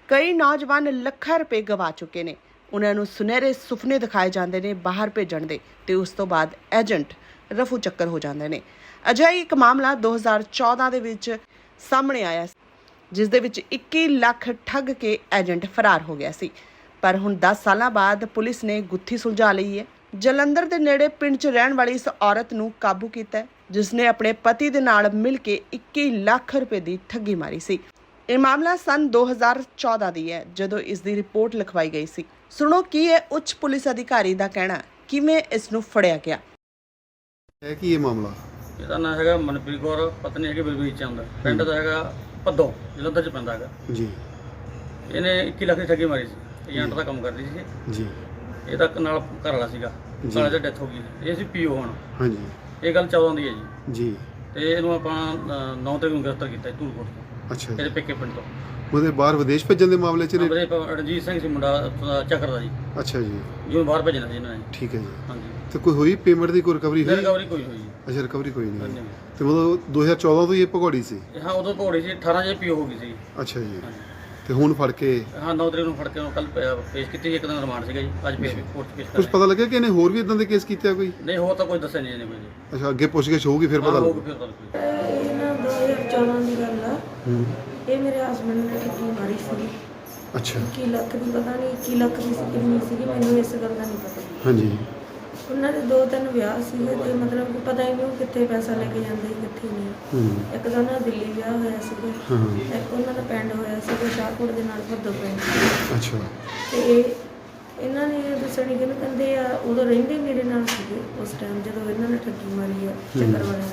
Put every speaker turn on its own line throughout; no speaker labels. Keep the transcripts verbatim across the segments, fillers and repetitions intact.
ਕਈ ਨੌਜਵਾਨ ਲੱਖਾਂ ਰੁਪਏ ਗਵਾ ਚੁੱਕੇ ਨੇ। ਉਹਨਾਂ ਨੂੰ ਸੁਨਹਿਰੇ ਸੁਪਨੇ ਦਿਖਾਏ ਜਾਂਦੇ ਨੇ ਬਾਹਰ ਭੇਜਣ ਦੇ, ਤੇ ਉਸ ਤੋਂ ਬਾਅਦ ਏਜੰਟ ਰਫੂ ਚੱਕਰ ਹੋ ਜਾਂਦੇ ਨੇ। ਅਜਿਹਾ ਹੀ ਇੱਕ ਮਾਮਲਾ ਦੋ ਹਜ਼ਾਰ ਚੌਦਾਂ ਦੇ ਵਿੱਚ ਸਾਹਮਣੇ ਆਇਆ, ਜਿਸ ਦੇ ਵਿੱਚ ਇੱਕੀ ਲੱਖ ਠੱਗ ਕੇ ਏਜੰਟ ਫਰਾਰ ਹੋ ਗਿਆ ਸੀ। ਪਰ ਹੁਣ ਦਸ ਸਾਲਾਂ ਬਾਅਦ ਪੁਲਿਸ ਨੇ ਗੁੱਥੀ ਸੁਲਝਾ ਲਈ ਹੈ। ਜਲੰਧਰ ਦੇ ਨੇੜੇ ਪਿੰਡ 'ਚ ਰਹਿਣ ਵਾਲੀ ਇਸ ਔਰਤ ਨੂੰ ਕਾਬੂ ਕੀਤਾ ਹੈ, ਜਿਸ ਨੇ ਆਪਣੇ ਪਤੀ ਦੇ ਨਾਲ ਮਿਲ ਕੇ ਇੱਕੀ ਲੱਖ ਰੁਪਏ ਦੀ ਠੱਗੀ ਮਾਰੀ ਸੀ। ਇਹ ਮਾਮਲਾ ਸਨ ਦੋ ਹਜ਼ਾਰ ਚੌਦਾਂ ਦੀ ਹੈ, ਜਦੋਂ ਇਸ ਦੀ ਰਿਪੋਰਟ ਲਿਖਵਾਈ ਗਈ ਸੀ। ਸੁਣੋ ਕੀ ਹੈ ਉੱਚ ਪੁਲਿਸ ਅਧਿਕਾਰੀ ਦਾ ਕਹਿਣਾ, ਕਿਵੇਂ ਇਸ ਨੂੰ ਫੜਿਆ ਗਿਆ
ਹੈ। ਕੀ ਇਹ ਮਾਮਲਾ?
ਇਹਦਾ ਨਾਂ ਹੈਗਾ ਮਨਪ੍ਰੀਤ ਕੌਰ, ਪਤਨੀ ਹੈਗੀ ਬਲਬੀਰ ਚੰਦ, ਪਿੰਡ ਦਾ ਹੈਗਾ ਭੱਦੋਂ, ਜਲੰਧਰ ਚ ਪੈਂਦਾ ਹੈਗਾ
ਜੀ।
ਇਹਨੇ ਇੱਕੀ ਲੱਖ ਦੀ ਠੱਗੀ ਮਾਰੀ ਸੀ। ਏਜੰਟ ਦਾ ਕੰਮ ਕਰਦੀ ਸੀ
ਜੀ।
ਇਹਦਾ ਨਾਲ ਘਰ ਵਾਲਾ ਸੀਗਾ, ਘਰ ਵਾਲੇ ਦੀ ਡੈਥ ਹੋ ਗਈ। ਇਹ ਸੀ ਪੀਓ ਹੁਣ।
ਹਾਂਜੀ।
ਇਹ ਗੱਲ ਚੌਦਾਂ ਦੀ ਹੈ ਜੀ।
ਜੀ।
ਤੇ ਇਹਨੂੰ ਆਪਾਂ ਨੌ ਤਰੀਕ ਨੂੰ ਗ੍ਰਿਫਤਾਰ ਕੀਤਾ ਧੂਲਕੋਟ ਤੋਂ।
ਅੱਛਾ।
ਇਹਦੇ ਪੇਕੇ ਪਿੰਡ ਤੋਂ।
ਉਹਦੇ ਬਾਹਰ ਵਿਦੇਸ਼ ਭੇਜਣ ਦੇ ਮਾਮਲੇ 'ਚ ਨੇ?
ਰਣਜੀਤ ਸਿੰਘ ਸੀ ਮੁੰਡਾ, ਚੱਕਰ ਦਾ ਜੀ।
ਅੱਛਾ ਜੀ।
ਜਿਹਨੂੰ ਬਾਹਰ ਭੇਜਣਾ ਸੀ ਇਹਨਾਂ ਨੇ।
ਠੀਕ ਹੈ ਜੀ।
ਹਾਂਜੀ।
ਤੇ ਕੋਈ ਹੋਈ ਪੇਮੈਂਟ ਦੀ ਕੋਈ ਰਿਕਵਰੀ ਹੋਈ?
ਰਿਕਵਰੀ ਕੋਈ ਹੋਈ।
ਅੱਛਾ, ਰਿਕਵਰੀ ਕੋਈ ਨਹੀਂ
ਹਾਂਜੀ।
ਤੇ ਮਤਲਬ ਦੋ ਹਜ਼ਾਰ ਚੌਦਾਂ ਤੋਂ ਹੀ ਇਹ ਭਗੌੜੀ ਸੀ?
ਹਾਂ, ਉਦੋਂ ਭਗੌੜੀ ਸੀ। ਅਠਾਰਾਂ ਚ ਪੀਓ ਹੋ ਗਈ ਸੀ।
ਅੱਛਾ ਜੀ। ਤੇ ਹੁਣ ਫੜ ਕੇ? ਹਾਂ,
ਨੌ ਤਰੀਕ ਨੂੰ ਫੜ ਕੇ ਕੱਲ ਪੇਸ਼ ਕੀਤੀ। ਇੱਕ ਦਿਨ ਰਿਮਾਂਡ ਸੀਗਾ ਜੀ। ਅੱਜ ਫੇਰ ਕੋਰਟ 'ਚ ਪੇਸ਼ ਕਰ
ਕੁਝ ਪਤਾ ਲੱਗਿਆ ਕਿ ਇਹਨੇ ਹੋਰ ਵੀ ਇਦਾਂ ਦੇ ਕੇਸ ਕੀਤੇ ਆ ਕੋਈ?
ਨਹੀਂ, ਹੋਰ ਤਾਂ ਕੋਈ ਦੱਸਿਆ ਨਹੀਂ ਇਹਨੇ ਕੋਈ ਜੀ।
ਅੱਛਾ, ਅੱਗੇ ਪੁੱਛਗਿੱਛ ਹੋਊਗੀ ਫਿਰ ਪਤਾ ਲੱਗੂ।
ਇਹ ਨਾ ਦੋ ਹਜ਼ਾਰ ਚੌਦਾਂ ਦੀ ਗੱਲ ਆ। ਇਹ ਮੇਰੇ ਹਸਬੰਡ ਨੇ ਠੱਗੀ ਮਾਰੀ ਸੀ।
ਅੱਛਾ।
ਇੱਕੀ ਲੱਖ ਦੀ, ਪਤਾ ਨਹੀਂ ਇੱਕੀ ਲੱਖ ਦੀ ਸੀ ਕਿੰਨੀ ਸੀਗੀ, ਮੈਨੂੰ ਇਸ ਗੱਲ ਦਾ ਨਹੀਂ ਪਤਾ।
ਹਾਂਜੀ।
ਉਹਨਾਂ ਦੇ ਦੋ ਤਿੰਨ ਵਿਆਹ ਸੀਗੇ ਤੇ ਮਤਲਬ ਕਿ ਪਤਾ ਹੀ ਨਹੀਂ ਉਹ ਕਿੱਥੇ ਪੈਸਾ ਲੈ ਕੇ ਜਾਂਦੇ ਕਿੱਥੇ ਨਹੀਂ। ਇੱਕ ਤਾਂ ਉਹਨਾਂ ਦਿੱਲੀ ਵਿਆਹ ਹੋਇਆ ਸੀਗਾ, ਇੱਕ ਉਹਨਾਂ ਦਾ ਪਿੰਡ ਹੋਇਆ ਸੀਗਾ ਸ਼ਾਹਕੋਟ ਦੇ ਨਾਲ ਭੱਦੋਂ ਪਿੰਡ।
ਅੱਛਾ।
ਤੇ ਇਹ ਇਹਨਾਂ ਨੇ ਦੱਸਣੀ ਕਿ ਕਹਿੰਦੇ ਆ ਉਦੋਂ ਰਹਿੰਦੇ ਮੇਰੇ ਨਾਲ ਸੀਗੇ ਉਸ ਟਾਈਮ ਜਦੋਂ ਇਹਨਾਂ ਨੇ ਠੱਗੀ ਮਾਰੀ ਆ ਚੱਕਰ ਵਾਲਿਆਂ।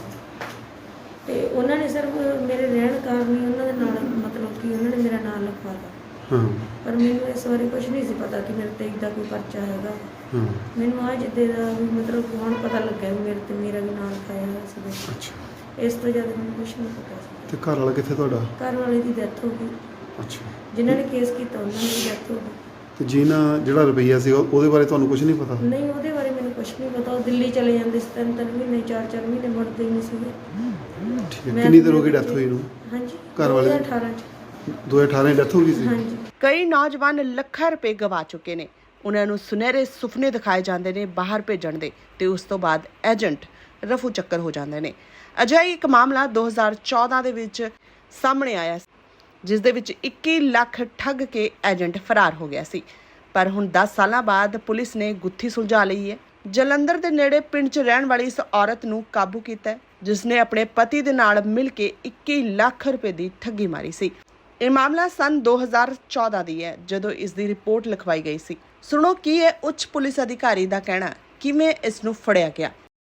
ਤੇ ਉਹਨਾਂ ਨੇ ਸਿਰਫ ਮੇਰੇ ਰਹਿਣ ਕਾਰਨ ਹੀ ਉਹਨਾਂ ਦੇ ਨਾਲ ਮਤਲਬ ਕਿ ਉਹਨਾਂ ਨੇ ਮੇਰਾ ਨਾਂ ਲਿਖਵਾ ਤਾ। ਪਰ ਮੈਨੂੰ ਇਸ ਬਾਰੇ ਕੁਝ ਨਹੀਂ ਸੀ ਪਤਾ ਕਿ ਮੇਰੇ ਤੇ ਇੱਦਾਂ ਕੋਈ ਪਰਚਾ ਹੈਗਾ। ਮੈਨੂੰ ਆ ਜਿੱਦੇ ਦਾ ਵੀ ਮਤਲਬ ਹੁਣ ਪਤਾ ਲੱਗਿਆ ਵੀ ਮੇਰੇ ਤੇ ਮੇਰਾ ਵੀ ਨਾਂ ਲਿਖਾਇਆ ਹੋਇਆ ਸੀ।
ਅੱਛਾ।
ਇਸ ਤੋਂ ਜ਼ਿਆਦਾ ਮੈਨੂੰ ਕੁਝ ਨਹੀਂ ਪਤਾ ਸੀ।
ਤੇ ਘਰ ਵਾਲਾ ਕਿੱਥੇ ਤੁਹਾਡਾ?
ਘਰ ਵਾਲੇ ਦੀ ਡੈਥ ਹੋ ਗਈ।
ਅੱਛਾ।
ਜਿਨ੍ਹਾਂ ਨੇ ਕੇਸ ਕੀਤਾ ਉਹਨਾਂ ਦੀ ਡੈਥ ਹੋ ਗਈ।
ਤੇ ਜਿਹਨਾਂ ਜਿਹੜਾ ਰੁਪਈਆ ਸੀ ਉਹਦੇ ਬਾਰੇ ਤੁਹਾਨੂੰ ਕੁਝ ਨਹੀਂ ਪਤਾ?
ਨਹੀਂ, ਉਹਦੇ ਬਾਰੇ ਮੈਨੂੰ ਕੁਝ ਨਹੀਂ ਪਤਾ। ਉਹ ਦਿੱਲੀ ਚਲੇ ਜਾਂਦੇ ਸੀ ਤਿੰਨ ਤਿੰਨ ਮਹੀਨੇ ਚਾਰ ਚਾਰ ਮਹੀਨੇ ਮੁੜਦੇ ਹੀ ਨਹੀਂ ਸੀਗੇ।
ਠੀਕ ਹੈ। ਕਿੰਨੀ ਦੇਰ ਹੋ ਗਈ ਡੈਥ ਹੋਈ ਨੂੰ?
ਹਾਂਜੀ,
ਘਰ ਵਾਲੇ
ਦੋ ਹਜ਼ਾਰ ਅਠਾਰਾਂ ਚ।
ਦੋ ਹਜ਼ਾਰ ਅਠਾਰਾਂ ਡੈਥ ਹੋ ਗਈ ਸੀ।
ਹਾਂਜੀ।
ਕਈ ਨੌਜਵਾਨ ਲੱਖਾਂ ਰੁਪਏ ਗਵਾ ਚੁੱਕੇ ਨੇ। ਉਹਨਾਂ ਨੂੰ ਸੁਨਹਿਰੇ ਸੁਪਨੇ ਦਿਖਾਏ ਜਾਂਦੇ ਨੇ ਬਾਹਰ ਭੇਜਣ ਦੇ, ਤੇ ਉਸ ਤੋਂ ਬਾਅਦ ਏਜੰਟ ਰਫੂ ਚੱਕਰ ਹੋ ਜਾਂਦੇ ਨੇ। ਅਜਿਹਾ ਹੀ ਇੱਕ ਮਾਮਲਾ ਦੋ ਹਜ਼ਾਰ ਚੌਦਾਂ ਦੇ ਵਿੱਚ ਸਾਹਮਣੇ ਆਇਆ, ਜਿਸ ਦੇ ਵਿੱਚ ਇੱਕੀ ਲੱਖ ਠੱਗ ਕੇ ਏਜੰਟ ਫਰਾਰ ਹੋ ਗਿਆ ਸੀ। ਪਰ ਹੁਣ ਦਸ ਸਾਲਾਂ ਬਾਅਦ ਪੁਲਿਸ ਨੇ ਗੁੱਥੀ ਸੁਲਝਾ ਲਈ ਹੈ। ਜਲੰਧਰ ਦੇ ਨੇੜੇ ਪਿੰਡ 'ਚ ਰਹਿਣ ਵਾਲੀ ਇਸ ਔਰਤ ਨੂੰ ਕਾਬੂ ਕੀਤਾ ਹੈ, ਜਿਸ ਨੇ ਆਪਣੇ ਪਤੀ ਦੇ ਨਾਲ ਮਿਲ ਕੇ ਇੱਕੀ ਲੱਖ ਰੁਪਏ ਦੀ ਠੱਗੀ ਮਾਰੀ ਸੀ। ਇਹ ਮਾਮਲਾ ਸਨ ਦੋ ਹਜ਼ਾਰ ਚੌਦਾਂ ਦੀ ਹੈ, ਜਦੋਂ ਇਸ ਦੀ ਰਿਪੋਰਟ ਲਿਖਵਾਈ ਗਈ ਸੀ। ਸੁਣੋ ਕੀ ਹੈ ਉੱਚ ਪੁਲਿਸ ਅਧਿਕਾਰੀ ਦਾ ਕਹਿਣਾ, ਕਿਵੇਂ ਇਸ ਨੂੰ ਫੜਿਆ ਗਿਆ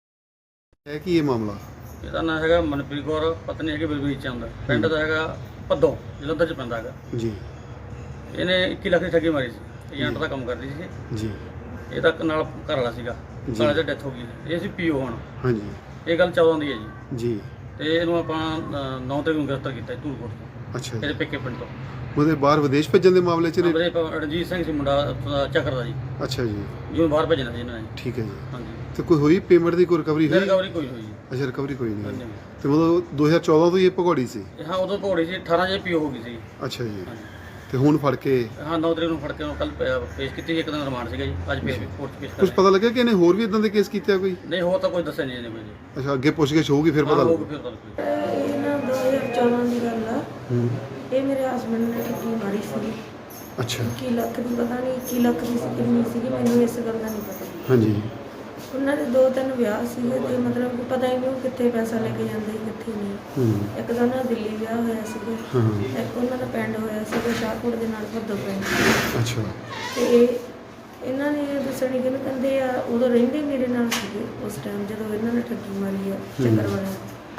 ਹੈ। ਕੀ ਇਹ ਮਾਮਲਾ?
ਇਹਦਾ ਨਾਂ ਹੈਗਾ ਮਨਪ੍ਰੀਤ ਕੌਰ, ਪਤਨੀ ਹੈਗੀ ਬਲਬੀਰ ਚੰਦ, ਪਿੰਡ ਦਾ ਹੈਗਾ ਭੱਦੋਂ, ਜਲੰਧਰ ਚ ਪੈਂਦਾ ਹੈਗਾ
ਜੀ।
ਇਹਨੇ ਇੱਕੀ ਲੱਖ ਦੀ ਠੱਗੀ ਮਾਰੀ ਸੀ। ਏਜੰਟ ਦਾ ਕੰਮ ਕਰਦੀ ਸੀ
ਜੀ।
ਇਹਦਾ ਨਾਲ ਘਰ ਵਾਲਾ ਸੀਗਾ, ਘਰ ਵਾਲੇ ਦੀ ਡੈਥ ਹੋ ਗਈ। ਇਹ ਸੀ ਪੀਓ ਹੁਣ। ਹਾਂਜੀ। ਇਹ ਗੱਲ ਚੌਦਾਂ ਦੀ ਹੈ ਜੀ।
ਜੀ।
ਤੇ ਇਹਨੂੰ ਆਪਾਂ ਨੌ ਤਰੀਕ ਨੂੰ ਗ੍ਰਿਫਤਾਰ ਕੀਤਾ ਧੂਲਕੋਟ ਤੋਂ। ਅੱਛਾ। ਇਹਦੇ ਪੇਕੇ ਪਿੰਡ ਤੋਂ।
ਉਹਦੇ ਬਾਹਰ ਵਿਦੇਸ਼ ਭੇਜਣ ਦੇ ਮਾਮਲੇ 'ਚ ਨੇ?
ਰਣਜੀਤ ਸਿੰਘ ਸੀ ਮੁੰਡਾ, ਚੱਕਰ ਦਾ ਜੀ।
ਅੱਛਾ ਜੀ।
ਜਿਹਨੂੰ ਬਾਹਰ ਭੇਜਣਾ ਸੀ ਇਹਨਾਂ ਨੇ।
ਠੀਕ ਹੈ ਜੀ।
ਹਾਂਜੀ।
ਤੇ ਕੋਈ ਹੋਈ ਪੇਮੈਂਟ ਦੀ ਕੋਈ ਰਿਕਵਰੀ ਹੋਈ?
ਰਿਕਵਰੀ ਕੋਈ ਹੋਈ।
ਅੱਛਾ, ਰਿਕਵਰੀ ਕੋਈ ਨਹੀਂ। ਤੇ ਮਤਲਬ ਦੋ ਹਜ਼ਾਰ ਚੌਦਾਂ ਤੋਂ ਹੀ ਇਹ ਭਗੌੜੀ ਸੀ?
ਹਾਂ, ਉਦੋਂ ਭਗੌੜੀ ਸੀ। ਅਠਾਰਾਂ ਚ ਪੀਓ ਹੋ ਗਈ ਸੀ।
ਅੱਛਾ ਜੀ। ਤੇ ਹੁਣ ਫੜ ਕੇ? ਹਾਂ,
ਨੌ ਤਰੀਕ ਨੂੰ ਫੜ ਕੇ ਕੱਲ ਪੇਸ਼ ਕੀਤੀ। ਇੱਕ ਦਿਨ ਰਿਮਾਂਡ ਸੀਗਾ ਜੀ। ਅੱਜ ਫੇਰ ਕੋਰਟ 'ਚ ਪੇਸ਼ ਕਰ।
ਕੁਝ ਪਤਾ ਲੱਗਿਆ ਕਿ ਇਹਨੇ ਹੋਰ ਵੀ ਇਦਾਂ ਦੇ ਕੇਸ ਕੀਤੇ ਆ ਕੋਈ?
ਨਹੀਂ, ਹੋਰ ਤਾਂ ਕੋਈ ਦੱਸਿਆ ਨਹੀਂ ਇਹਨੇ ਕੋਈ ਜੀ।
ਅੱਛਾ, ਅੱਗੇ ਪੁੱਛਗਿੱਛ ਹੋਊਗੀ ਫਿਰ ਪਤਾ ਲੱਗੂ।
ਇਹ ਨਾ ਦੋ ਹਜ਼ਾਰ ਚੌਦਾਂ ਦੀ ਗੱਲ ਆ। ਇਹ ਮੇਰੇ ਹਸਬੰਡ ਨੇ ਠੱਗੀ ਮਾਰੀ ਸੀ।
ਅੱਛਾ।
ਇੱਕੀ ਲੱਖ ਦੀ, ਪਤਾ ਨਹੀਂ ਇੱਕੀ ਲੱਖ ਦੀ ਸੀ ਕਿੰਨੀ ਸੀਗੀ, ਮੈਨੂੰ ਇਸ ਗੱਲ ਦਾ ਨਹੀਂ ਪਤਾ।
ਹਾਂਜੀ।
ਉਹਨਾਂ ਦੇ ਦੋ ਤਿੰਨ ਵਿਆਹ ਸੀਗੇ ਤੇ ਮਤਲਬ ਕਿ ਪਤਾ ਹੀ ਨਹੀਂ ਉਹ ਕਿੱਥੇ ਪੈਸਾ ਲੈ ਕੇ ਜਾਂਦੇ ਕਿੱਥੇ ਨਹੀਂ। ਇੱਕ ਤਾਂ ਉਹਨਾਂ ਦਾ ਦਿੱਲੀ ਵਿਆਹ ਹੋਇਆ ਸੀਗਾ, ਇੱਕ ਉਹਨਾਂ ਦਾ ਪਿੰਡ ਹੋਇਆ ਸੀਗਾ ਸ਼ਾਹਕੋਟ ਦੇ ਨਾਲ ਭੱਦੋਂ ਪਿੰਡ।
ਅੱਛਾ।
ਤੇ ਇਹ ਇਹਨਾਂ ਨੇ ਦੱਸਣੀ ਕਿ ਕਹਿੰਦੇ ਆ ਉਦੋਂ ਰਹਿੰਦੇ ਮੇਰੇ ਨਾਲ ਸੀਗੇ ਉਸ ਟਾਈਮ ਜਦੋਂ ਇਹਨਾਂ ਨੇ ਠੱਗੀ ਮਾਰੀ ਆ ਚੱਕਰ ਵਾਲਿਆਂ।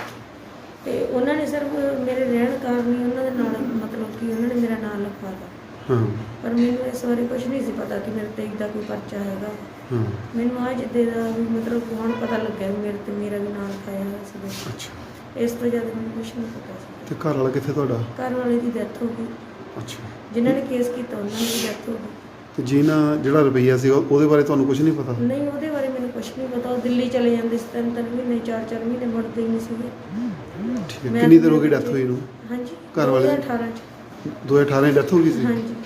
ਤੇ ਉਹਨਾਂ ਨੇ ਸਿਰਫ ਮੇਰੇ ਰਹਿਣ ਕਾਰਨ ਹੀ ਉਹਨਾਂ ਦੇ ਨਾਲ ਮਤਲਬ ਕਿ ਉਹਨਾਂ ਨੇ ਮੇਰਾ ਨਾਂ ਲਿਖਵਾ ਤਾ। ਪਰ ਮੈਨੂੰ ਇਸ ਬਾਰੇ ਕੁਝ ਨਹੀਂ ਸੀ ਪਤਾ ਕਿ ਮੇਰੇ ਤੇ ਇੱਦਾਂ ਕੋਈ ਪਰਚਾ ਹੈਗਾ। ਮੈਨੂੰ ਆ ਜਿੱਦੇ ਦਾ ਵੀ ਮਤਲਬ ਹੁਣ ਪਤਾ ਲੱਗਿਆ ਵੀ ਮੇਰੇ ਤੇ ਮੇਰਾ ਵੀ ਨਾਂ ਲਿਖਾਇਆ ਹੋਇਆ ਸੀ।
ਅੱਛਾ।
ਇਸ ਤੋਂ ਜ਼ਿਆਦਾ ਮੈਨੂੰ ਕੁਝ ਨਹੀਂ ਪਤਾ ਸੀ।
ਤੇ ਘਰ ਵਾਲਾ ਕਿੱਥੇ ਤੁਹਾਡਾ?
ਘਰ ਵਾਲੇ ਦੀ ਡੈਥ ਹੋ ਗਈ।
ਅੱਛਾ।
ਜਿਨ੍ਹਾਂ ਨੇ ਕੇਸ ਕੀਤਾ ਉਹਨਾਂ ਦੀ ਡੈਥ ਹੋ ਗਈ।
ਤੇ ਜਿਹਨਾਂ ਜਿਹੜਾ ਰੁਪਈਆ ਸੀ ਉਹਦੇ ਬਾਰੇ ਤੁਹਾਨੂੰ ਕੁਝ ਨਹੀਂ ਪਤਾ?
ਨਹੀਂ, ਉਹਦੇ ਬਾਰੇ ਮੈਨੂੰ ਕੁਝ ਨਹੀਂ ਪਤਾ। ਉਹ ਦਿੱਲੀ ਚਲੇ ਜਾਂਦੇ ਸੀ ਤਿੰਨ ਤਿੰਨ ਮਹੀਨੇ ਚਾਰ ਚਾਰ ਮਹੀਨੇ ਮੁੜਦੇ ਹੀ ਨਹੀਂ ਸੀਗੇ।
ਠੀਕ ਹੈ। ਕਿੰਨੀ ਦੇਰ ਹੋ ਗਈ ਡੈਥ ਹੋਈ ਨੂੰ?
ਹਾਂਜੀ,
ਘਰ ਵਾਲੇ
ਦੋ ਹਜ਼ਾਰ ਅਠਾਰਾਂ ਚ।
ਦੋ ਹਜ਼ਾਰ ਅਠਾਰਾਂ ਡੈਥ ਹੋ ਗਈ ਸੀ
ਹਾਂਜੀ